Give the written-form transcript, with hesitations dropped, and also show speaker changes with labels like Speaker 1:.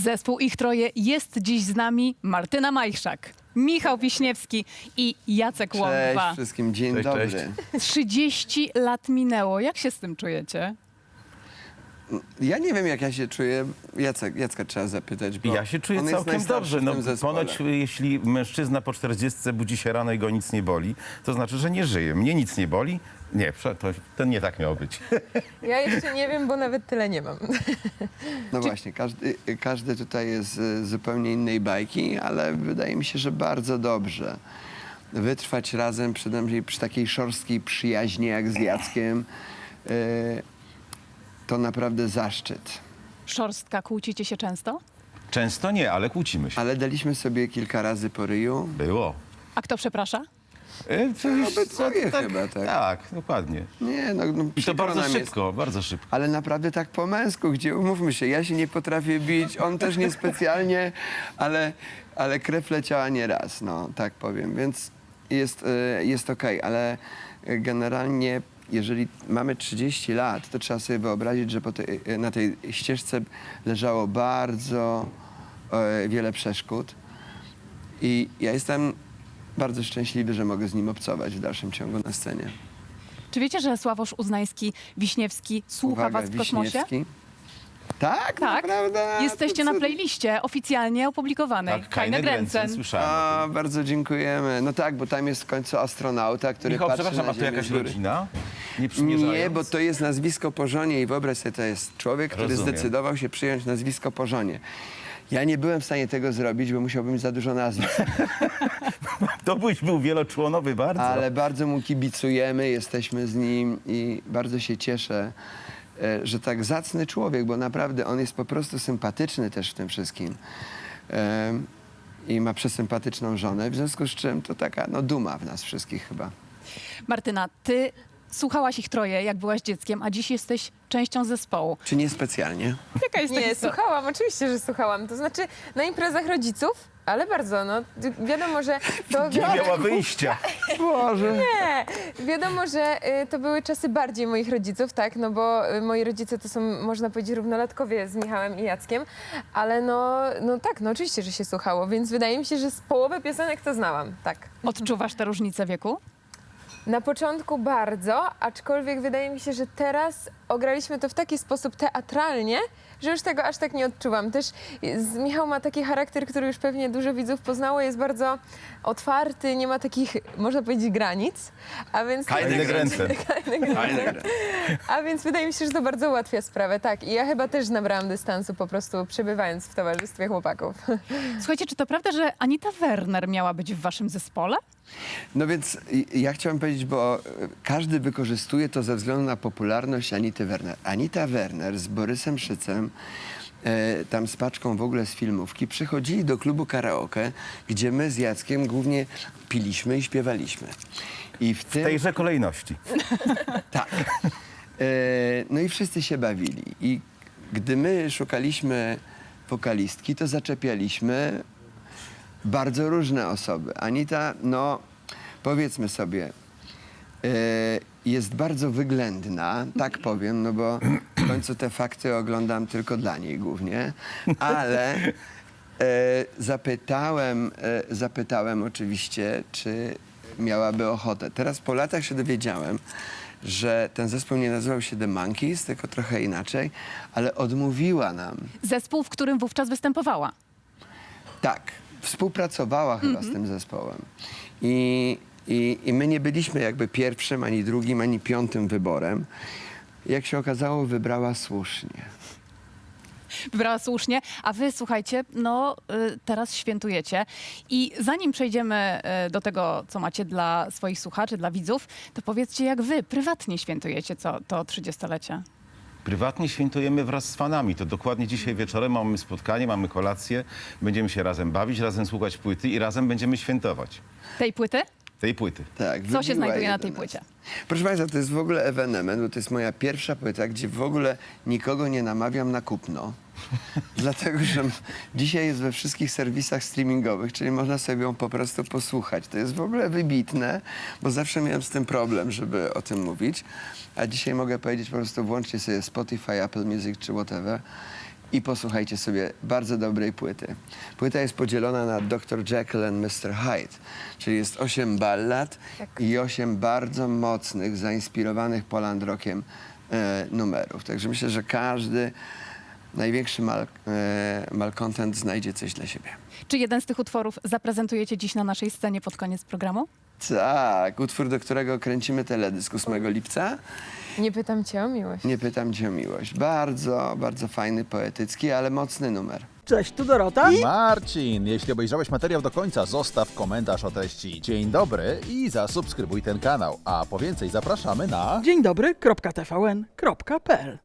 Speaker 1: Zespół Ich Troje jest dziś z nami. Martyna Majchrzak, Michał Wiśniewski i Jacek
Speaker 2: Cześć
Speaker 1: Łądba.
Speaker 2: wszystkim, dzień
Speaker 3: Cześć,
Speaker 2: dobry.
Speaker 3: cześć.
Speaker 1: 30 lat minęło. Jak się z tym czujecie?
Speaker 2: Ja nie wiem, jak ja się czuję. Jacka trzeba zapytać, bo
Speaker 3: Ja się czuję
Speaker 2: on jest
Speaker 3: całkiem
Speaker 2: najstarszy
Speaker 3: dobrze.
Speaker 2: w
Speaker 3: No,
Speaker 2: tym zespole.
Speaker 3: ponoć jeśli mężczyzna po 40 budzi się rano i go nic nie boli, to znaczy, że nie żyje. Mnie nic nie boli. Nie, to nie tak miało być.
Speaker 4: Ja jeszcze nie wiem, bo nawet tyle nie mam.
Speaker 2: No właśnie, każdy tutaj jest z zupełnie innej bajki, ale wydaje mi się, że bardzo dobrze. Wytrwać razem przynajmniej przy takiej szorstkiej przyjaźni jak z Jackiem, to naprawdę zaszczyt.
Speaker 1: Szorstka, kłócicie się często?
Speaker 3: Często nie, ale kłócimy się.
Speaker 2: Ale daliśmy sobie kilka razy po ryju.
Speaker 3: Było.
Speaker 1: A kto przeprasza?
Speaker 2: Obydwoje chyba, tak.
Speaker 3: Tak, dokładnie.
Speaker 2: Nie, no
Speaker 3: I to
Speaker 2: przykro
Speaker 3: bardzo
Speaker 2: nam jest.
Speaker 3: szybko, bardzo szybko.
Speaker 2: Ale naprawdę tak po męsku, gdzie umówmy się, ja się nie potrafię bić, on też niespecjalnie, ale krew leciała nieraz, no tak powiem, więc jest okej, ale generalnie jeżeli mamy 30 lat, to trzeba sobie wyobrazić, że na tej ścieżce leżało bardzo wiele przeszkód i ja jestem bardzo szczęśliwy, że mogę z nim obcować w dalszym ciągu na scenie.
Speaker 1: Czy wiecie, że Sławosz Uznański-Wiśniewski słucha was w kosmosie?
Speaker 2: Wiśniewski. Tak,
Speaker 1: Tak.
Speaker 2: naprawdę?
Speaker 1: Jesteście
Speaker 2: To
Speaker 1: na
Speaker 2: cud.
Speaker 1: playliście oficjalnie opublikowanej.
Speaker 3: Tak, Kajne Gręcen, słyszałem.
Speaker 2: A, bardzo dziękujemy. No tak, bo tam jest w końcu astronauta, który
Speaker 3: Michał,
Speaker 2: patrzy
Speaker 3: przepraszam,
Speaker 2: na
Speaker 3: a to
Speaker 2: Ziemię
Speaker 3: jakaś
Speaker 2: z góry.
Speaker 3: rodzina? Nie przymierzając?
Speaker 2: Nie, bo to jest nazwisko po żonie i wyobraź sobie, to jest człowiek, który
Speaker 3: Rozumiem.
Speaker 2: zdecydował się przyjąć nazwisko po żonie. Ja nie byłem w stanie tego zrobić, bo musiałbym mieć za dużo nazwisk.
Speaker 3: To byś był wieloczłonowy bardzo.
Speaker 2: Ale bardzo mu kibicujemy, jesteśmy z nim i bardzo się cieszę, że tak zacny człowiek, bo naprawdę on jest po prostu sympatyczny też w tym wszystkim. I ma przesympatyczną żonę, w związku z czym to taka duma w nas wszystkich chyba.
Speaker 1: Martyna, ty słuchałaś Ich Troje, jak byłaś dzieckiem, a dziś jesteś częścią zespołu.
Speaker 2: Czy nie specjalnie?
Speaker 1: Jaka jest
Speaker 4: Nie, słuchałam, oczywiście, że słuchałam. To znaczy na imprezach rodziców, ale bardzo, no wiadomo, że to...
Speaker 3: Nie miała wyjścia.
Speaker 2: Boże.
Speaker 4: Nie, wiadomo, że to były czasy bardziej moich rodziców, tak, no bo moi rodzice to są, można powiedzieć, równolatkowie z Michałem i Jackiem, ale no tak, no oczywiście, że się słuchało, więc wydaje mi się, że z połowy piosenek to znałam, tak.
Speaker 1: Odczuwasz tę różnicę wieku?
Speaker 4: Na początku bardzo, aczkolwiek wydaje mi się, że teraz ograliśmy to w taki sposób teatralnie, że już tego aż tak nie odczuwam. Też Michał ma taki charakter, który już pewnie dużo widzów poznało, jest bardzo otwarty, nie ma takich, można powiedzieć, granic, a więc...
Speaker 3: Kajne Gręcen.
Speaker 4: A więc wydaje mi się, że to bardzo ułatwia sprawę, tak. I ja chyba też nabrałam dystansu po prostu przebywając w towarzystwie chłopaków.
Speaker 1: Słuchajcie, czy to prawda, że Anita Werner miała być w waszym zespole?
Speaker 2: No więc ja chciałem powiedzieć, bo każdy wykorzystuje to ze względu na popularność Anity Werner. Anita Werner z Borysem Szycem, tam z paczką w ogóle z filmówki, przychodzili do klubu karaoke, gdzie my z Jackiem głównie piliśmy i śpiewaliśmy. I w
Speaker 3: W
Speaker 2: tym...
Speaker 3: tejże kolejności.
Speaker 2: Tak. No i wszyscy się bawili. I gdy my szukaliśmy wokalistki, to zaczepialiśmy bardzo różne osoby. Anita, no powiedzmy sobie, jest bardzo wyględna, tak powiem, no bo w końcu te fakty oglądam tylko dla niej głównie, ale zapytałem oczywiście, czy miałaby ochotę. Teraz po latach się dowiedziałem, że ten zespół nie nazywał się The Monkees, tylko trochę inaczej, ale odmówiła nam.
Speaker 1: Zespół, w którym wówczas występowała.
Speaker 2: Tak, współpracowała chyba z tym zespołem. I my nie byliśmy jakby pierwszym, ani drugim, ani piątym wyborem. Jak się okazało, wybrała słusznie.
Speaker 1: Wybrała słusznie, a wy, słuchajcie, teraz świętujecie. I zanim przejdziemy do tego, co macie dla swoich słuchaczy, dla widzów, to powiedzcie, jak wy prywatnie świętujecie to 30-lecie.
Speaker 3: Prywatnie świętujemy wraz z fanami. To dokładnie dzisiaj wieczorem mamy spotkanie, mamy kolację. Będziemy się razem bawić, razem słuchać płyty i razem będziemy świętować
Speaker 1: Tej płyty?
Speaker 3: tej płyty.
Speaker 2: Tak,
Speaker 1: Co się
Speaker 2: wybiła
Speaker 1: znajduje na
Speaker 2: 11.
Speaker 1: tej płycie?
Speaker 2: Proszę Państwa, to jest w ogóle ewenement, bo to jest moja pierwsza płyta, gdzie w ogóle nikogo nie namawiam na kupno. Dlatego, że dzisiaj jest we wszystkich serwisach streamingowych, czyli można sobie ją po prostu posłuchać. To jest w ogóle wybitne, bo zawsze miałem z tym problem, żeby o tym mówić. A dzisiaj mogę powiedzieć po prostu włączcie sobie Spotify, Apple Music czy whatever i posłuchajcie sobie bardzo dobrej płyty. Płyta jest podzielona na Dr. Jekyll and Mr. Hyde, czyli jest 8 ballad i 8 bardzo mocnych, zainspirowanych Poland Rockiem numerów. Także myślę, że każdy największy malcontent znajdzie coś dla siebie.
Speaker 1: Czy jeden z tych utworów zaprezentujecie dziś na naszej scenie pod koniec programu?
Speaker 2: Tak, utwór, do którego kręcimy teledysk 8 lipca.
Speaker 4: Nie pytam cię o miłość.
Speaker 2: Nie pytam cię o miłość. Bardzo, bardzo fajny, poetycki, ale mocny numer.
Speaker 5: Cześć, tu Dorota.
Speaker 6: Marcin, jeśli obejrzałeś materiał do końca, zostaw komentarz o treści dzień dobry i zasubskrybuj ten kanał. A po więcej zapraszamy na...
Speaker 5: Dzień dobry, .tvn.pl